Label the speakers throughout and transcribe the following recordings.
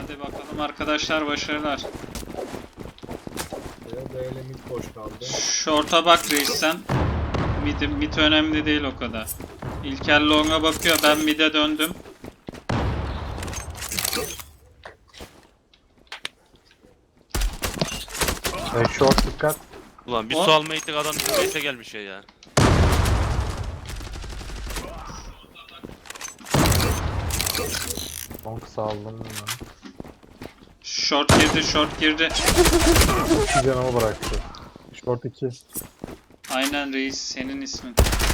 Speaker 1: Hadi bakalım arkadaşlar, başarılar.
Speaker 2: Böyle mid boş kaldı.
Speaker 1: Short'a bak reis sen. Mid önemli değil o kadar. İlker long'a bakıyor, ben mid'e döndüm.
Speaker 3: Short dikkat.
Speaker 4: Ulan bir
Speaker 1: O-
Speaker 4: su almaya gittik, adam bizim base'e gelmiş ya.
Speaker 3: Long saldım ya.
Speaker 1: Short girdi, short girdi.
Speaker 3: 2 canımı bıraktı. Short 2.
Speaker 1: Aynen reis, senin ismin.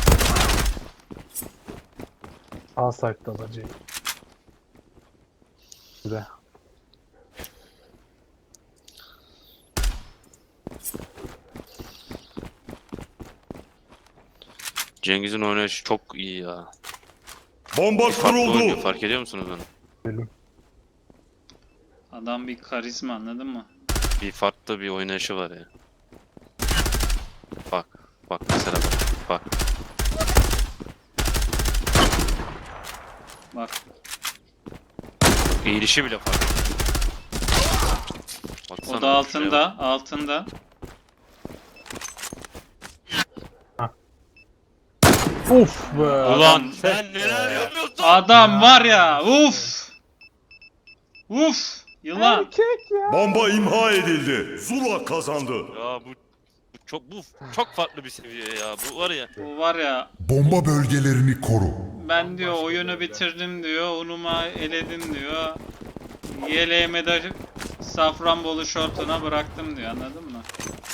Speaker 3: A site'da alacağım. Güzel.
Speaker 4: Cengiz'in oynayışı çok iyi ya.
Speaker 5: Bomba
Speaker 4: Farklı oynuyor,
Speaker 5: kuruldu.
Speaker 4: fark ediyor musunuz onu?
Speaker 3: Bölüm.
Speaker 1: Adam bir karizma, anladın mı?
Speaker 4: Bir farklı bir oynayışı var ya. Bak, bak mesela bak.
Speaker 1: Bak.
Speaker 4: Eğilişi bile farklı. Baksana
Speaker 1: O da
Speaker 4: şuraya
Speaker 1: altında, altında.
Speaker 3: Uf be.
Speaker 4: bak. Ulan sen neler
Speaker 3: ya.
Speaker 4: yapıyorsun?
Speaker 1: Adam var ya, uf! Uf! Yılan!
Speaker 3: Erkek ya.
Speaker 5: Bomba imha edildi. Zula kazandı.
Speaker 4: Ya bu çok farklı bir seviye ya. Bu var ya.
Speaker 1: Bu var ya,
Speaker 6: Bomba bölgelerini koru.
Speaker 1: ben diyor oyunu bitirdim diyor, unuma eledim diyor. Yeleğime de Safranbolu şortuna bıraktım diyor, anladın mı?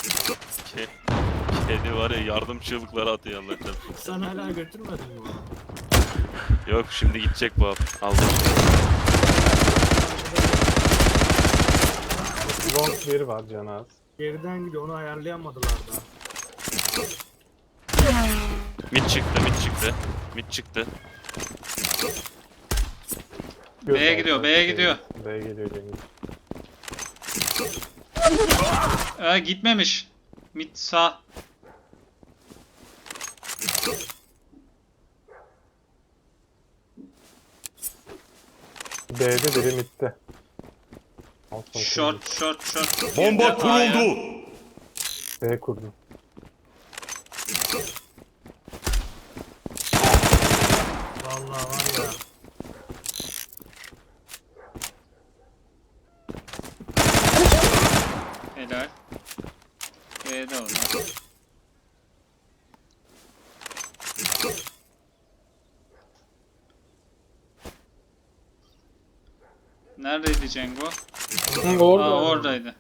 Speaker 4: Kedi var ya, yardım çığlıkları atıyor Allah çarpsın.
Speaker 2: Sen hala götürmedin mi bunu?
Speaker 4: Yok, şimdi gidecek bu abi. Aldım.
Speaker 3: Long 1 var canı az.
Speaker 2: Geriden gidiyor, onu ayarlayamadılar da.
Speaker 4: Mid çıktı, mid çıktı. Mid çıktı.
Speaker 1: B'ye gidiyor, B'ye gidiyor.
Speaker 3: B'ye geliyor Cengiz.
Speaker 1: Gitmemiş. Mid sağ.
Speaker 3: B'de biri midde.
Speaker 1: Short, short, short.
Speaker 5: Bomba
Speaker 1: Girdi A'ya.
Speaker 5: kuruldu.
Speaker 3: B kurdum.
Speaker 2: Vallahi var ya.
Speaker 1: Helal. B'de o da. Neredeydi Cengo? Aa, oradaydı.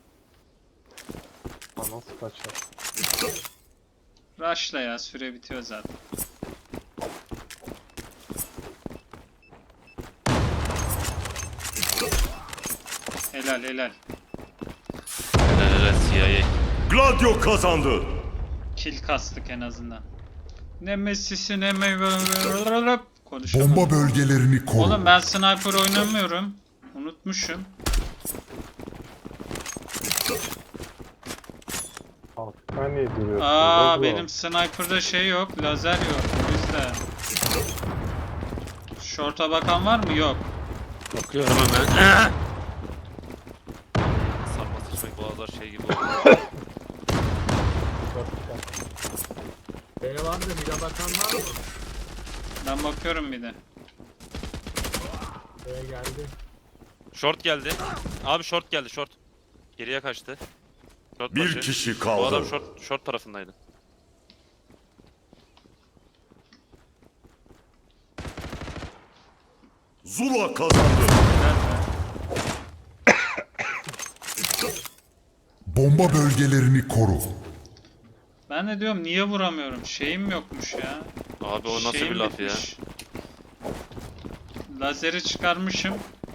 Speaker 3: Nasıl kaçar?
Speaker 1: Rush'la ya, süre bitiyor zaten. Helal helal.
Speaker 4: Helal CIA.
Speaker 5: Gladio kazandı.
Speaker 1: Kill kastık en azından. Ne Messi'si ne konuşamadım.
Speaker 6: Bomba bölgelerini koru.
Speaker 1: Oğlum ben sniper oynamıyorum. Unutmuşum.
Speaker 3: Altta niye duruyorsun?
Speaker 1: Aa,
Speaker 3: Oğlum.
Speaker 1: benim sniper'da şey yok, lazer yok. O yüzden. Short'a bakan var mı? Yok.
Speaker 4: Bakıyorum hemen. Sarma sıçmak boğazlar şey gibi oldu.
Speaker 2: B var da mid'e bakan var mı?
Speaker 1: Ben bakıyorum bir de.
Speaker 2: B geldi.
Speaker 4: Short geldi. Abi short geldi, short. Geriye kaçtı. Short
Speaker 5: Bir
Speaker 4: başı.
Speaker 5: kişi
Speaker 4: Bu adam
Speaker 5: kaldı.
Speaker 4: short tarafındaydı.
Speaker 5: Zula kazandı.
Speaker 6: Bomba bölgelerini koru.
Speaker 1: Ben de diyorum niye vuramıyorum? Şeyim yokmuş ya.
Speaker 4: Abi o nasıl
Speaker 1: Şeyim
Speaker 4: bir laf ya?
Speaker 1: bitmiş. Lazeri çıkarmışım.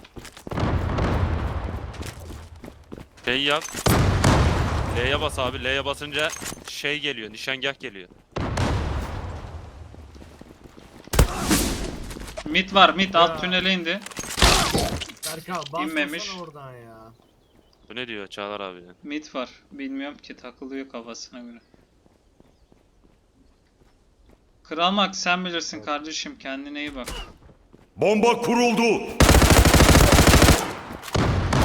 Speaker 4: Şey yap. L'ye bas abi. L'ye basınca şey geliyor. Nişangah geliyor.
Speaker 1: Mid var, mid
Speaker 2: Ya.
Speaker 1: alt tünele indi.
Speaker 2: Serkan
Speaker 1: İnmemiş.
Speaker 2: basmasana oradan ya.
Speaker 4: Bu ne diyor Çağlar abi ya?
Speaker 1: Mid var. Bilmiyorum ki, takılıyor kafasına göre. Kral Max sen bilirsin kardeşim, kendine iyi bak.
Speaker 5: Bomba kuruldu.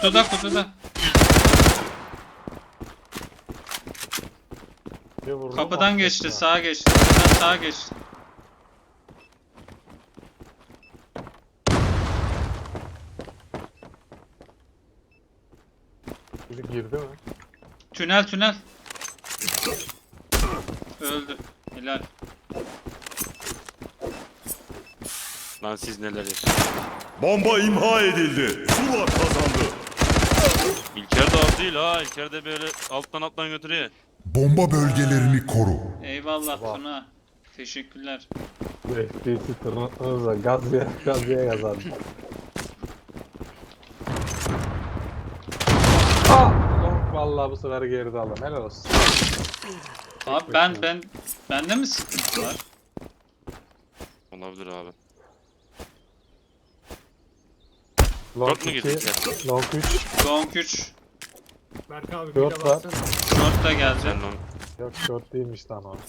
Speaker 1: Kutuda.
Speaker 3: Bir vurdum,
Speaker 1: Kapıdan
Speaker 3: affetme.
Speaker 1: geçti, sağa geçti. Kapıdan sağa geçti.
Speaker 3: Çocuk girdi mi?
Speaker 1: Tünel. Öldü. Helal.
Speaker 4: Lan siz neler yaşıyorsunuz?
Speaker 5: Bomba imha edildi. Zula kazandı.
Speaker 4: İlker de az değil ha. İlker de böyle alttan götürüyor.
Speaker 6: Bomba bölgelerini koru.
Speaker 1: Eyvallah Tuna. Teşekkürler.
Speaker 3: Bu FPS'i tırnaklarınızla gazya yazar. Long vallahi bu sefer geride aldım. Helal olsun.
Speaker 1: Abi bende mi sıkıntı var?
Speaker 4: Olabilir abi.
Speaker 3: Long
Speaker 4: Short mu
Speaker 3: 2,
Speaker 4: girdik ya?
Speaker 3: Long 3.
Speaker 1: Long 3.
Speaker 2: Berk abi
Speaker 3: Dört
Speaker 2: bir de
Speaker 3: var.
Speaker 2: baksana.
Speaker 1: Short da geldi.
Speaker 4: Sen lan.
Speaker 3: Yok short değilmiş lan o.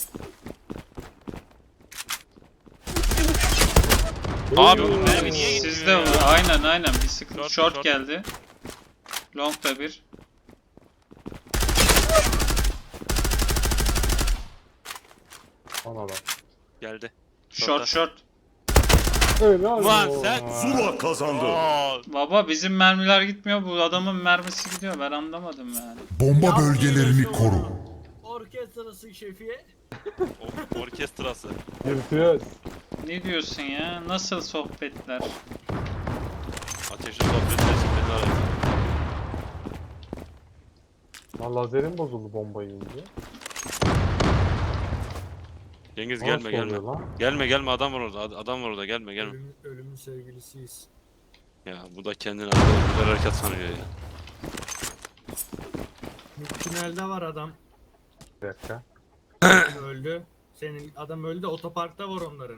Speaker 4: Abi oğlum mermi niye
Speaker 1: Sizde
Speaker 4: gitmiyor ya?
Speaker 1: aynen bir sıkıntı.
Speaker 4: Short,
Speaker 1: Short geldi. Long da bir.
Speaker 3: Ona bak.
Speaker 4: Geldi.
Speaker 1: Short.
Speaker 3: Öyle
Speaker 4: Ulan sen-
Speaker 5: Zula kazandı.
Speaker 4: Aa,
Speaker 1: Baba bizim mermiler gitmiyor. Bu adamın mermisi gidiyor. Ben anlamadım yani.
Speaker 6: Bomba bölgelerini koru.
Speaker 2: Orkestrası şefi.
Speaker 4: orkestrası.
Speaker 3: Yırtıyoruz.
Speaker 1: Ne diyorsun ya? Nasıl sohbetler?
Speaker 4: Ateşli sohbet gerçekten arası.
Speaker 3: Lan lazerim bozuldu bombayı yiyince.
Speaker 4: Cengiz
Speaker 3: Nasıl
Speaker 4: gelme
Speaker 3: oluyor lan?
Speaker 4: Gelme adam var orada. Adam var orada gelme.
Speaker 2: Ölümün sevgilisiyiz.
Speaker 4: Ya bu da kendini arkadaşlar hareket sanıyor ya.
Speaker 2: Tünelde var adam.
Speaker 3: Bir dakika.
Speaker 2: Öldü. Senin adam öldü. Otoparkta var onların.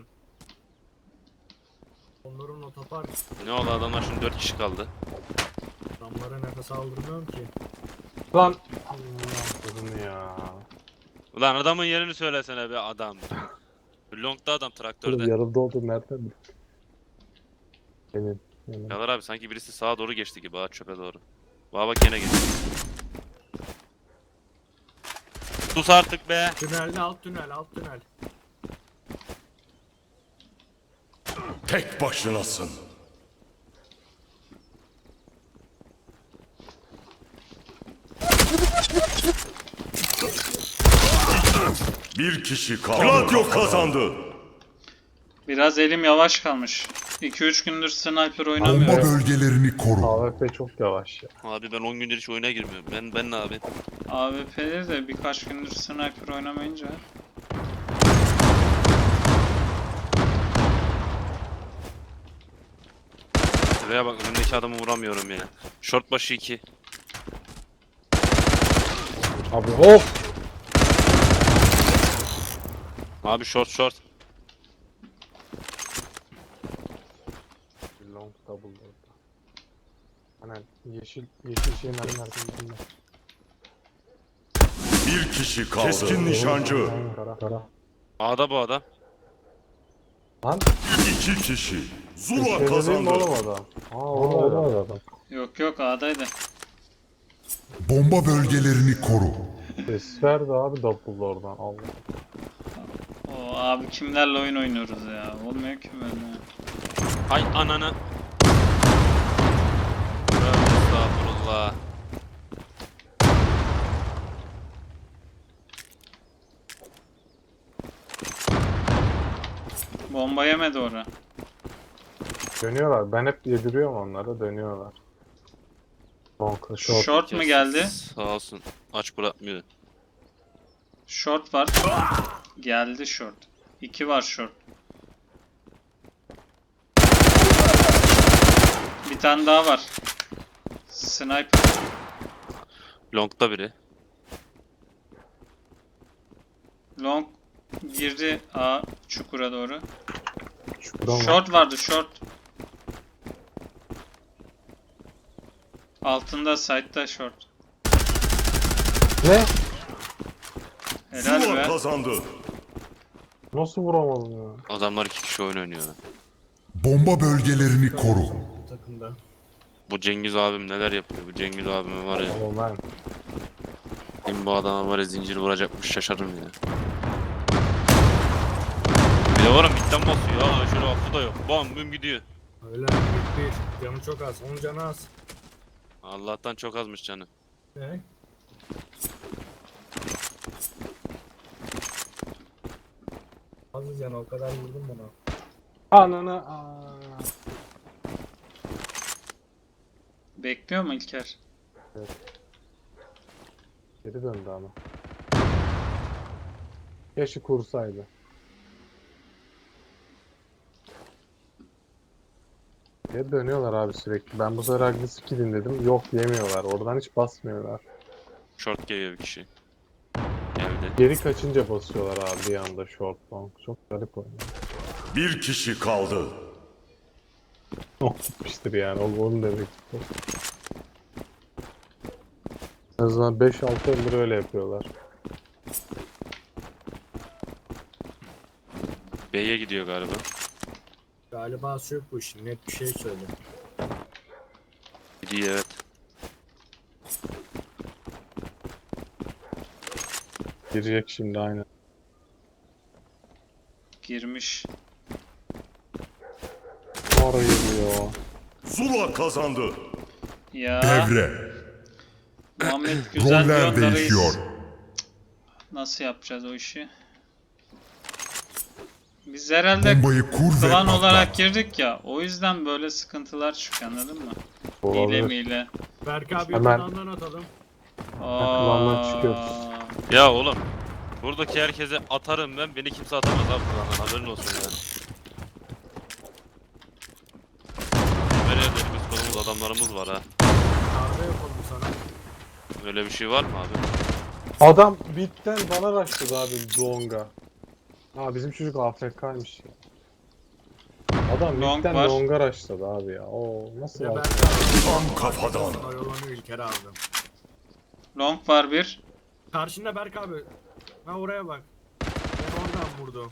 Speaker 2: Onların otopark.
Speaker 4: Ne oldu adamlar şimdi 4 kişi kaldı.
Speaker 2: Adamlara nefes aldırmıyorum ki.
Speaker 3: Lan. Kızım ya.
Speaker 4: Ulan adamın yerini söylesene be adam. Long'da adam
Speaker 3: Oğlum
Speaker 4: traktörde.
Speaker 3: yarıldı oldu nereden? Benim.
Speaker 4: Yalar abi sanki birisi sağa doğru geçti gibi ha çöpe doğru. Baba bak gene geçti. Sus artık be.
Speaker 2: Tünelde alt tünel.
Speaker 5: Tek başınasın. Bir kişi kaldı. Gladio kazandı.
Speaker 1: Biraz elim yavaş kalmış. 2-3 gündür sniper
Speaker 6: Bomba
Speaker 1: oynamıyorum.
Speaker 6: bölgelerini koru.
Speaker 3: AWP çok yavaş ya.
Speaker 4: Abi ben 10 gündür hiç oyuna girmiyorum. Ben ne abi?
Speaker 1: AWP'de de birkaç gündür sniper oynamayınca.
Speaker 4: Şuraya bak önümdeki adamı vuramıyorum ya. Short başı 2.
Speaker 3: Abi hop.
Speaker 4: Abi short.
Speaker 3: Long double orada. Hani yeşil şeyin arkasında.
Speaker 5: Bir kişi kaldı. Keskin nişancı.
Speaker 3: Kara.
Speaker 4: A'da bu adam.
Speaker 3: Lan.
Speaker 5: İki kişi. Zula
Speaker 3: Köşede değil mi
Speaker 5: kazandı.
Speaker 3: oğlum adam? Orada adam.
Speaker 1: Yok A'daydı.
Speaker 6: Bomba bölgelerini koru.
Speaker 3: Ses verdi abi double oradan. Allah.
Speaker 1: O abi kimlerle oyun oynuyoruz ya. Olmuyor ki böyle.
Speaker 4: Hay ananı. Tövbe estağfurullah.
Speaker 1: Bomba yemedi ora.
Speaker 3: Dönüyorlar. Ben hep yediriyorum onlara. Dönüyorlar. Long. Short.
Speaker 1: Short mu geldi?
Speaker 4: Sağ olsun. Aç bırakmıyor.
Speaker 1: Short var. Geldi short. 2 var short. Bir tane daha var. Sniper.
Speaker 4: Long'da biri.
Speaker 1: Long girdi A çukura doğru.
Speaker 3: Şuradan var.
Speaker 1: Short vardı short. Altında side'da short.
Speaker 3: Ne?
Speaker 1: Helal
Speaker 5: Zula
Speaker 1: be.
Speaker 5: kazandı.
Speaker 3: Nasıl vuramadım ya?
Speaker 4: Adamlar 2 kişi oyun oynuyor.
Speaker 6: Bomba bölgelerini koru.
Speaker 2: Takımda.
Speaker 4: Bu Cengiz abim neler yapıyor? Bu Cengiz abim var ya.
Speaker 3: Oğlum ben.
Speaker 4: Kim bu adama var ya zincir vuracakmış şaşarım ya. Bir de var ya midden basıyor ya. Şöyle affı da yok. Bam büm gidiyor.
Speaker 2: Öyle bir canı çok az. Onun canı az.
Speaker 4: Allah'tan çok azmış canı.
Speaker 2: Ne? Az canı o kadar vurdum buna.
Speaker 3: Ananı.
Speaker 1: Bekliyor mu İlker?
Speaker 3: Geri döndü ama. Yaşı kursaydı. Geri dönüyorlar abi sürekli. Ben bu sefer agresif gidin dedim. Yok yemiyorlar. Oradan hiç basmıyorlar.
Speaker 4: Short geliyor bir kişi. Evde.
Speaker 3: Geri kaçınca basıyorlar abi bir anda short long. Çok garip oynuyor.
Speaker 5: Bir kişi kaldı.
Speaker 3: Çok gitmiştir yani. Onu demek istiyorum. En azından 5-6 yıldır öyle yapıyorlar.
Speaker 4: B'ye gidiyor galiba.
Speaker 2: Galiba yok bu işin. Net bir şey söyle.
Speaker 4: Gidiyor evet.
Speaker 3: Girecek şimdi aynen.
Speaker 1: Girmiş.
Speaker 3: Oraya giriyor.
Speaker 5: Zula kazandı.
Speaker 1: Ya
Speaker 6: Devre.
Speaker 1: Muhammed güzel
Speaker 6: Roller
Speaker 1: diyorsun da reis.
Speaker 6: değişiyor.
Speaker 1: Nasıl yapacağız o işi? Biz herhalde
Speaker 6: Bombayı kur ve
Speaker 1: klan olarak
Speaker 6: patlat.
Speaker 1: girdik ya. O yüzden böyle sıkıntılar çıkıyor, anladın mı? Hile
Speaker 3: Olabilir.
Speaker 1: miyle.
Speaker 2: Berk abi
Speaker 3: Hemen.
Speaker 2: yakından atalım.
Speaker 3: Klandan çıkıyoruz.
Speaker 4: Ya oğlum. Buradaki herkese atarım ben. Beni kimse atamaz abi buradan. Haberin olsun yani. Nereye elimiz kolumuz adamlarımız var ha.
Speaker 2: Kahve yapalım sana.
Speaker 4: Öyle bir şey var mı abi?
Speaker 3: Adam bitten bana rushladı abi Long'a. Ha bizim çocuk AFK'ymış ya. Adam
Speaker 1: Long
Speaker 3: bitten
Speaker 1: var.
Speaker 3: Long'a rushladı abi ya. Oo nasıl
Speaker 2: Bir de
Speaker 3: var?
Speaker 2: Berk abi.
Speaker 5: Tam kafadan.
Speaker 2: Oyalanıyor İlker abi.
Speaker 1: Long var bir.
Speaker 2: Karşında Berk abi. Ha oraya bak. Ben oradan vurdu.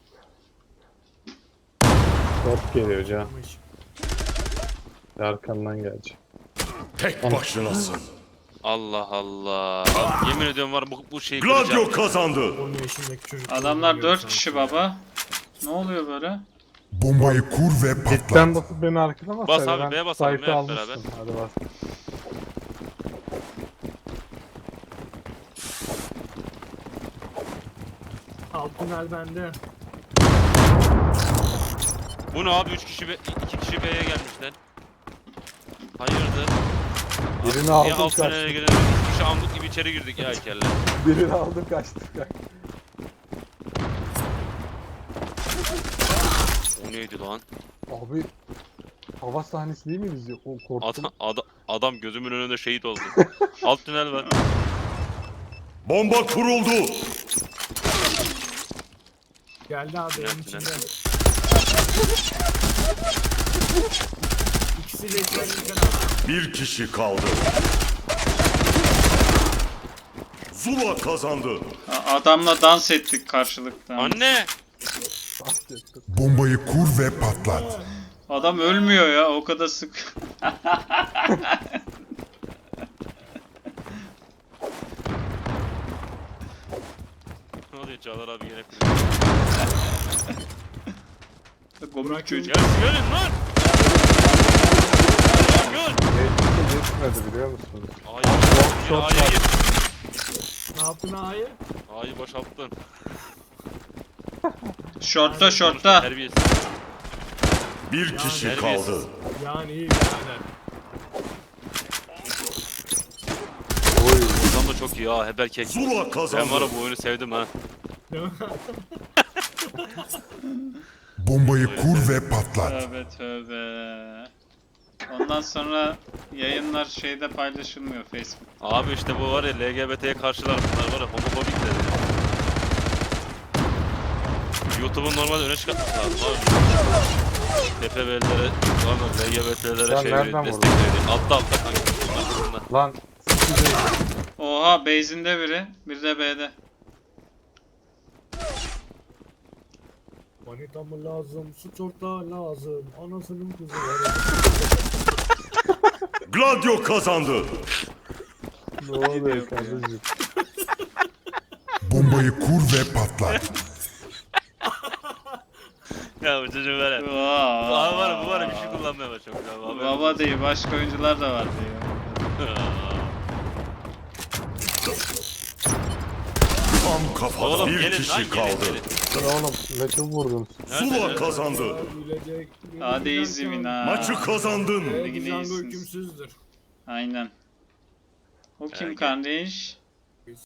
Speaker 3: Top geliyor can.
Speaker 2: Vurmuş.
Speaker 3: Arkandan gelecek.
Speaker 5: Tek başınasın.
Speaker 4: Allah Allah. Abi, yemin ediyorum var bu şeyi
Speaker 5: Gladio
Speaker 4: kıracağım.
Speaker 5: kazandı.
Speaker 2: Onun yaşındaki çocuk.
Speaker 1: Adamlar 4 kişi baba. Ne oluyor böyle?
Speaker 6: Bombayı kur ve
Speaker 3: Bitten
Speaker 6: patlat.
Speaker 3: basıp beni arkalamasaydı
Speaker 4: Bas abi,
Speaker 3: ben
Speaker 4: B'ye basalım,
Speaker 3: site'ı
Speaker 4: hep beraber.
Speaker 3: almıştım. Hadi bas.
Speaker 2: Alt tünel bende.
Speaker 4: Bu ne abi 2 kişi B'ye gelmişler. Hayırdır?
Speaker 3: Birini
Speaker 4: Niye
Speaker 3: aldım
Speaker 4: alt tünele
Speaker 3: kaçtık.
Speaker 4: girelim? 2 kişi amlık gibi içeri girdik ya heykeller.
Speaker 3: Birini aldım kaçtık.
Speaker 4: O neydi lan?
Speaker 3: Abi hava sahnesi değil mi bizi? O korktum.
Speaker 4: Adam gözümün önünde şehit oldu. Alt tünel var.
Speaker 5: Bomba kuruldu.
Speaker 2: Geldi abi
Speaker 4: Tünel,
Speaker 2: evin
Speaker 4: tünel.
Speaker 2: içinde. İkisi de içeride İlker abi.
Speaker 5: Bir kişi kaldı. Zula kazandı.
Speaker 1: Adamla dans ettik karşılıkta.
Speaker 4: Anne!
Speaker 6: Bombayı kur ve patlat.
Speaker 1: Adam ölmüyor ya, o kadar sık.
Speaker 4: Ne oluyor Çağlar abi yine
Speaker 1: Komik çocuk.
Speaker 4: Gelin lan! Gel!
Speaker 3: Geçmedi biliyor musunuz?
Speaker 4: A'ya gir.
Speaker 2: Ne yaptın ağayı?
Speaker 4: A'yı boşalttın.
Speaker 1: Şortta şortta.
Speaker 4: Terbiyesiz.
Speaker 5: Bir kişi
Speaker 4: terbiyesiz.
Speaker 5: kaldı.
Speaker 2: Yani iyi birader.
Speaker 4: Adam da çok iyi ha heber kek.
Speaker 5: Zula
Speaker 4: Ben var
Speaker 5: kazandı.
Speaker 4: ya bu oyunu sevdim ha.
Speaker 2: Değil mi?
Speaker 6: Bombayı kur ve patlat.
Speaker 1: Tövbe tövbe. Ondan sonra yayınlar şeyde paylaşılmıyor, Facebook.
Speaker 4: Abi işte bu var ya LGBT'ye karşılar bunlar var ya homofobik dedi. YouTube'un normalde öne çıkartması lazım abi. TPV'lere, LGBT'lere
Speaker 3: Sen
Speaker 4: şey
Speaker 3: nereden
Speaker 4: destek
Speaker 3: vurdun?
Speaker 4: veriyor. Altta kanka.
Speaker 3: Lan sizi
Speaker 1: Oha, base'inde biri, bir de B'de.
Speaker 2: Manita mı lazım? Suç ortağı lazım. Anasının kızı var.
Speaker 5: Gladio kazandı.
Speaker 3: Ne oluyor kardeşim?
Speaker 6: Bombayı kur ve patlat.
Speaker 4: Ya bu çocuk var ya. Abi var bu bir şey kullanmaya başlamış abi.
Speaker 1: Baba değil, başka oyuncular da var diyor.
Speaker 5: Tam kafada
Speaker 4: Oğlum
Speaker 5: bir
Speaker 4: gelin lan
Speaker 5: kişi
Speaker 4: gelin.
Speaker 5: kaldı.
Speaker 3: Lan oğlum ne çok vurdun.
Speaker 5: Zula kazandı.
Speaker 2: Gülecek.
Speaker 1: Hadi easy win ha.
Speaker 5: Maçı kazandın.
Speaker 1: Yine
Speaker 2: Django
Speaker 1: iyisiniz.
Speaker 2: hükümsüzdür.
Speaker 1: Aynen. O kim
Speaker 4: Yani-
Speaker 1: kardeş?